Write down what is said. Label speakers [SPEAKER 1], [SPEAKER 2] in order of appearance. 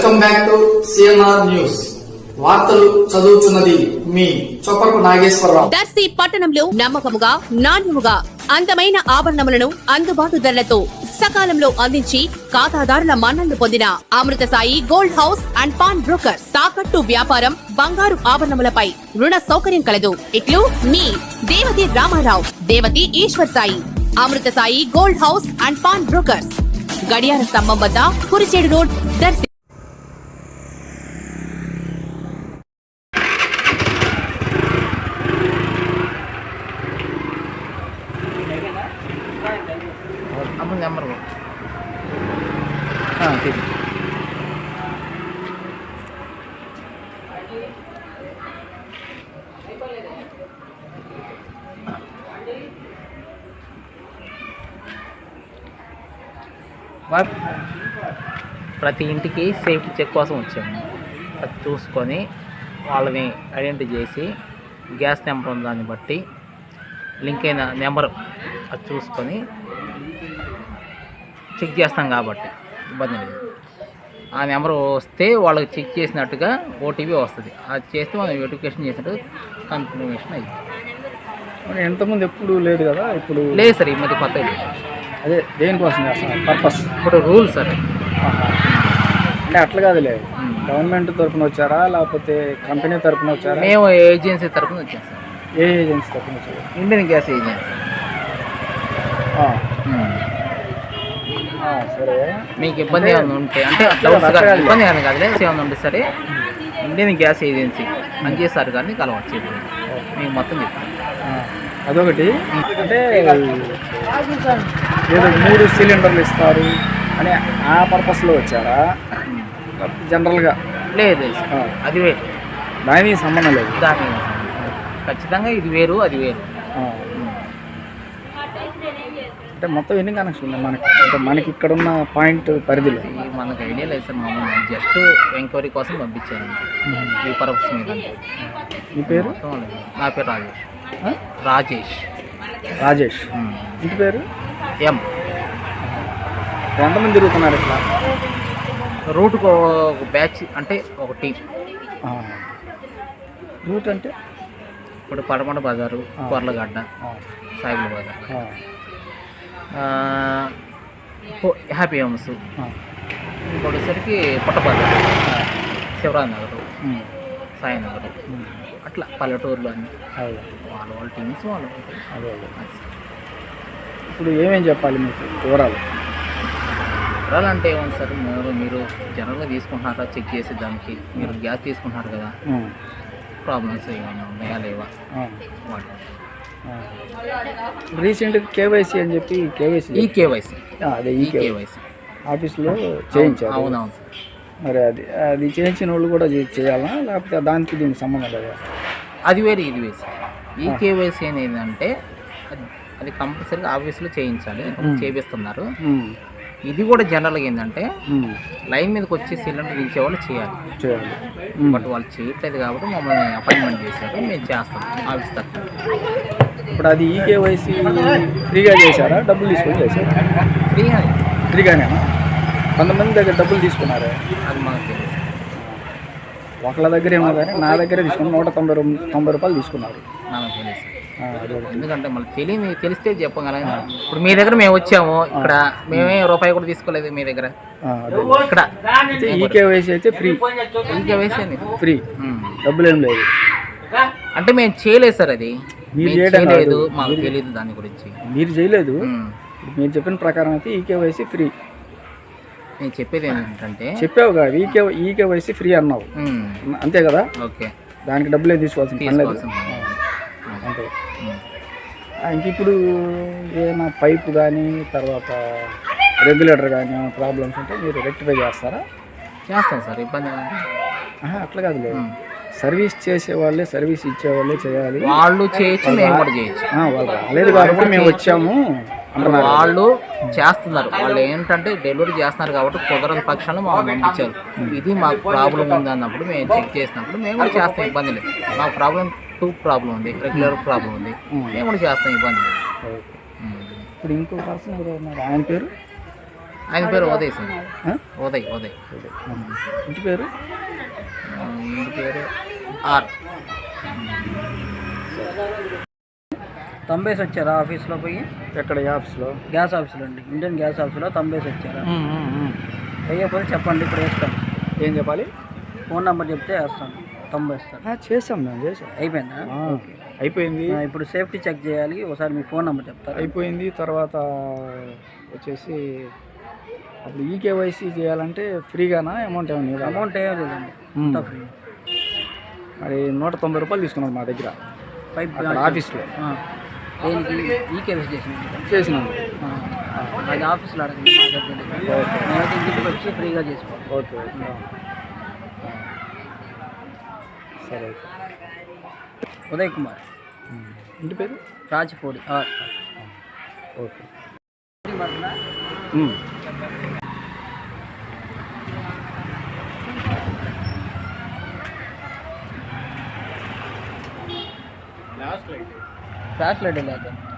[SPEAKER 1] Welcome back to CNR news. వార్తలు చదువుతున్నది మీ చొప్పకు నాగేశ్వరరావు.
[SPEAKER 2] దర్శి పట్టణంలో నమ్మకముగా నాణ్యముగా అందమైన ఆభరణములను అందుబాటు ధరలతో సకాలంలో అందించి ఖాతాదారుల మన్ననలు పొందిన Amrutha Sai gold house and pawn broker. తాకట్టు వ్యాపారం, బంగారు ఆభరణములపై రుణ సౌకర్యం కలదు. ఇట్లు మీ Devathi Ramarao, Devathi Eshwar Sai. Amrutha Sai gold house and pawn broker, గడియార స్తంభం వద్ద, కురిచేడు రోడ్, దర్శి.
[SPEAKER 3] నెంబర్ ప్రతి ఇంటికి సేఫ్టీ చెక్ కోసం వచ్చాము. అది చూసుకొని వాళ్ళని ఐడెంటిఫై చేసి గ్యాస్ నెంబర్ ఉన్న దాన్ని బట్టి లింక్ అయిన నెంబర్ అది చూసుకొని చెక్ చేస్తాం కాబట్టి ఇబ్బంది లేదు. ఆ నెంబర్ వస్తే వాళ్ళకి చెక్ చేసినట్టుగా ఓటీపీ వస్తుంది. అది చేస్తే మనం వెరిఫికేషన్ చేసినట్టు కన్ఫర్మేషన్ అయ్యింది.
[SPEAKER 4] ఎంతమంది ఎప్పుడు లేదు కదా, ఇప్పుడు
[SPEAKER 3] లేదు సార్, ఈ మధ్య కొత్తగా లేదు.
[SPEAKER 4] అదే దేనికోసం చేస్తాను పర్పస్
[SPEAKER 3] ఇప్పుడు రూల్ సార్.
[SPEAKER 4] అంటే అట్లా కాదులే, గవర్నమెంట్ తరఫున వచ్చారా లేకపోతే కంపెనీ తరఫున వచ్చారా?
[SPEAKER 3] మేము ఏజెన్సీ తరఫున వచ్చాం సార్.
[SPEAKER 4] ఏ ఏజెన్సీ తరఫున వచ్చారు?
[SPEAKER 3] Indian gas agency.
[SPEAKER 4] సరే,
[SPEAKER 3] మీకు ఇబ్బంది ఏమైనా ఉంటే అంటే ఇబ్బంది ఏమైనా కాదులే, ఏమైనా ఉంటే సరే ఇండియన్ గ్యాస్ ఏజెన్సీ పనిచేస్తారు కానీ కలవచ్చు. మీకు మొత్తం చెప్తాను.
[SPEAKER 4] అదొకటి. అంటే ఏదో 3 సిలిండర్లు ఇస్తారు అని ఆ పర్పస్లో వచ్చారా జనరల్గా?
[SPEAKER 3] లేదు అది వేరు,
[SPEAKER 4] దానికి సంబంధం లేదు.
[SPEAKER 3] దాని ఖచ్చితంగా ఇది వేరు అది వేరు.
[SPEAKER 4] అంటే మొత్తం ఎన్ని కనెక్షన్ ఉన్నాయి మనకి? అంటే మనకి ఇక్కడ ఉన్న పాయింట్ పరిధిలో
[SPEAKER 3] మనకు ఐడియా లేదు సార్. మామూలు జస్ట్ ఎంక్వైరీ కోసం పంపించాను ఈ పర్పస్ మీద.
[SPEAKER 4] మీ పేరు?
[SPEAKER 3] నా పేరు రాజేష్. రాజేష్
[SPEAKER 4] రాజేష్. ఇంటి పేరు?
[SPEAKER 3] ఎం.
[SPEAKER 4] ఎంతమంది తిరుగుతున్నారు ఇట్లా?
[SPEAKER 3] రూట్కు ఒక బ్యాచ్ అంటే ఒక టీం.
[SPEAKER 4] రూట్ అంటే
[SPEAKER 3] ఇప్పుడు పడమట బజారు, కొర్లగడ్డ, సాయిబుల్ బజార్, హ్యాపీ హోమ్స్, ఇంకొకటిసరికి పుట్టబజార్, శివరాజ్ నగర్, సాయినగర్, అట్లా పల్లెటూరులో అన్నీ వాళ్ళ టీమ్స్ వాళ్ళు.
[SPEAKER 4] ఇప్పుడు ఏమేమి చెప్పాలి మీకు వివరాలు?
[SPEAKER 3] వివరాలు అంటే ఏమన్నా సార్, మీరు జనరల్గా తీసుకుంటున్నారా చెక్ చేసి దానికి మీరు గ్యాస్ తీసుకుంటున్నారు కదా, ప్రాబ్లమ్స్ ఏమైనా ఉన్నాయా లేవా వాటి.
[SPEAKER 4] రీసెంట్ కేవైసీ అని చెప్పి
[SPEAKER 3] ఈ కేవైసీ
[SPEAKER 4] అదే ఈ కేవైసీ ఆఫీస్లో చేయించారు.
[SPEAKER 3] అవునవును సార్.
[SPEAKER 4] మరి అది చేయించిన వాళ్ళు కూడా చేయాలా లేకపోతే దానికి దీనికి సంబంధం లేదా?
[SPEAKER 3] అది వేరు ఇది వేరు సార్. ఈ కేవైసీ అనేది ఏంటంటే అది కంపల్సరీగా ఆఫీస్లో చేయించాలి, చేపిస్తున్నారు. ఇది కూడా జనరల్గా ఏంటంటే లైన్ మీదకి వచ్చి సిలిండర్ దించేవాళ్ళు చేయాలి. బట్ వాళ్ళు చేయట్లేదు కాబట్టి మమ్మల్ని అపాయింట్మెంట్ చేశారు, మేము చేస్తాం ఆఫీస్ తరఫున.
[SPEAKER 4] ఇప్పుడు అది ఈ కేవైసీ ఫ్రీగా చేశారా డబ్బులు తీసుకొని చేశారా? ఫ్రీగానే. కొంతమంది దగ్గర డబ్బులు తీసుకున్నారా?
[SPEAKER 3] అది మనకు తెలియదు.
[SPEAKER 4] ఒకళ్ళ దగ్గర ఏమో కానీ నా దగ్గరే తీసుకుని 190 రూపాయలు తీసుకున్నారు.
[SPEAKER 3] నాకు తెలియదు. ఎందుకంటే మళ్ళీ తెలిస్తే చెప్పగలం. ఇప్పుడు మీ దగ్గర మేము వచ్చాము, ఇక్కడ మేమే రూపాయి కూడా తీసుకోలేదు మీ దగ్గర. ఇక్కడ
[SPEAKER 4] ఈ కేవైసీ అయితే ఫ్రీ.
[SPEAKER 3] ఈ కేవైసీ
[SPEAKER 4] ఫ్రీ, డబ్బులు ఏం లేదు.
[SPEAKER 3] అంటే మేము చేయలేదు సార్, అది
[SPEAKER 4] మీరు
[SPEAKER 3] చేయలేదు, మాకు తెలియదు దాని గురించి.
[SPEAKER 4] మీరు చేయలేదు, మీరు చెప్పిన ప్రకారం అయితే ఈ కేవైసీ ఫ్రీ.
[SPEAKER 3] నేను చెప్పేది ఏంటంటే
[SPEAKER 4] చెప్పావు కదా ఈ కేవైసీ ఫ్రీ అన్నావు, అంతే కదా?
[SPEAKER 3] ఓకే,
[SPEAKER 4] దానికి డబ్బులే తీసుకోవాల్సిన పని లేదు. అంతే. ఇంక ఇప్పుడు ఏమైనా పైపు కానీ తర్వాత రెగ్యులేటర్ కానీ ఏమైనా ప్రాబ్లమ్స్ ఉంటే మీరు రెక్టిఫై చేస్తారా?
[SPEAKER 3] చేస్తాం సార్, ఇబ్బంది
[SPEAKER 4] అట్లా కాదు లేదు. సర్వీస్ చేసేవాళ్ళే సర్వీస్ ఇచ్చేవాళ్ళే చేయాలి.
[SPEAKER 3] వాళ్ళు చేయొచ్చు, మేము కూడా చేయొచ్చు.
[SPEAKER 4] వాళ్ళు రాలేదు కాబట్టి మేము వచ్చాము.
[SPEAKER 3] వాళ్ళు చేస్తున్నారు, వాళ్ళు ఏంటంటే డెలివరీ చేస్తున్నారు కాబట్టి కుదరని పక్షాలు మాకు పంపించారు. ఇది మాకు ప్రాబ్లం ఉంది అన్నప్పుడు మేము చెక్ చేసినప్పుడు మేము కూడా చేస్తాం, ఇబ్బంది లేదు. మాకు ప్రాబ్లం ఉంది, రెగ్యులర్ ప్రాబ్లం ఉంది, మేము కూడా చేస్తాం, ఇబ్బంది లేదు.
[SPEAKER 4] ఇప్పుడు ఇంకో పర్సన్ ఎవరు ఉన్నారు, ఆయన పేరు
[SPEAKER 3] ఆయన పేరు ఉదయ్ సార్.
[SPEAKER 4] ఆ?
[SPEAKER 3] ఉదయ్
[SPEAKER 4] ఇంటి పేరు
[SPEAKER 3] ఇంటి పేరు ఆర్.
[SPEAKER 5] తంబేసి వచ్చారా ఆఫీస్లో పోయి?
[SPEAKER 4] ఎక్కడ ఈ ఆఫీస్లో?
[SPEAKER 5] గ్యాస్ ఆఫీస్లో అండి, ఇండియన్ గ్యాస్ ఆఫీస్లో తంబేసి వచ్చారా? అయ్యకపోతే చెప్పండి, ఇప్పుడు వేస్తాను.
[SPEAKER 4] ఏం చెప్పాలి?
[SPEAKER 5] ఫోన్ నెంబర్ చెప్తే వేస్తాను, తంబేస్తాను.
[SPEAKER 4] చేసాం మేము చేసాం.
[SPEAKER 5] అయిపోయిందా?
[SPEAKER 4] అయిపోయింది.
[SPEAKER 5] ఇప్పుడు సేఫ్టీ చెక్ చేయాలి, ఒకసారి మీ ఫోన్ నెంబర్ చెప్తారు.
[SPEAKER 4] అయిపోయింది. తర్వాత వచ్చేసి అప్పుడు ఈకేవైసీ చేయాలంటే ఫ్రీగానా? అమౌంట్ ఏమన్నా?
[SPEAKER 5] అమౌంట్ ఏం లేదండి, అంతా ఫ్రీ.
[SPEAKER 4] మరి 190 రూపాయలు తీసుకున్నాడు మా దగ్గర
[SPEAKER 5] పైప్
[SPEAKER 4] ఆఫీస్లో.
[SPEAKER 5] దేనికి? ఈకేవైసీ
[SPEAKER 4] చేసినాం.
[SPEAKER 5] అది ఆఫీస్లో అడగండి, మా దగ్గర. నేనైతే ఇంటికి వచ్చి ఫ్రీగా చేసుకోవాలి.
[SPEAKER 4] ఓకే సరే.
[SPEAKER 5] ఉదయ్ కుమార్,
[SPEAKER 4] ఇంటి పేరు
[SPEAKER 5] రాచిపూడి.
[SPEAKER 4] ఓకే.
[SPEAKER 5] ఫ్లాష్ లైట్ లేదు.